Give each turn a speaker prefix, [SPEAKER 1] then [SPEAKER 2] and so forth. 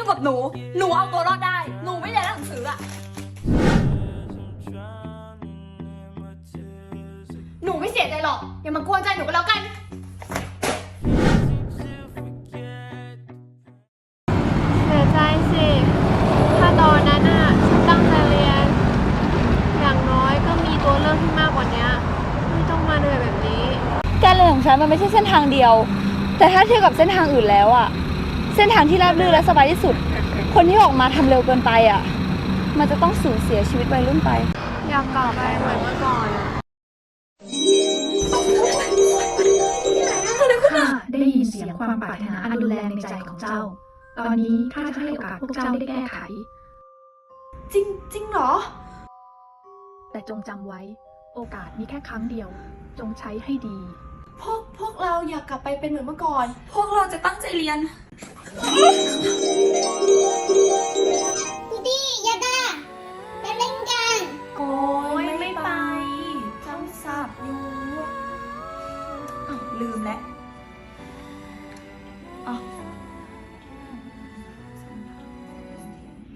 [SPEAKER 1] กับหนูเอาตัวรอดได้หนูไม่เรียนหนังสืออะหนูไม่เสียใจหรอกอย่ามากวนใจหนูก็แล้วกัน
[SPEAKER 2] เสียใจสิ ถ้าตอนนั้นน่ะฉันตั้งใจเรียน อย่างน้อยก็มีตัวเลือกที่มากกว่านี้ไม่ต้องมาเหนื่อยแบบนี้
[SPEAKER 3] การเรียนของฉันมันไม่ใช่เส้นทางเดียว แต่ถ้าเทียบกับเส้นทางอื่นแล้วอะเส้นทางที่ราบรื่นและสบายที่สุด คนที่ออกมาทำเร็วเกินไปอะมันจะต้องสูญเสียชีวิตวัยรุ่นไป
[SPEAKER 2] อยากกลับไปเหมือนเมื่อก่อนอะ
[SPEAKER 4] ข้าได้ยินเสียงความปรารถนาอันรุนแรงในใจของเจ้า ตอนนี้ข้าจะให้โอกาสพวกเจ้าได้แก้ไข
[SPEAKER 1] จริงเหรอ
[SPEAKER 4] แต่จงจำไว้ โอกาสมีแค่ครั้งเดียว จงใช้ให้ดี
[SPEAKER 1] พวกเราอยากกลับไปเป็นเหมือนเมื่อก่อน พวกเราจะตั้งใจเรียน
[SPEAKER 5] ดีอย่าด่าไปเล่นกัน
[SPEAKER 1] โอ้ยไม่ไปเจ้าสับอยู่อ้าวลืมแล้ว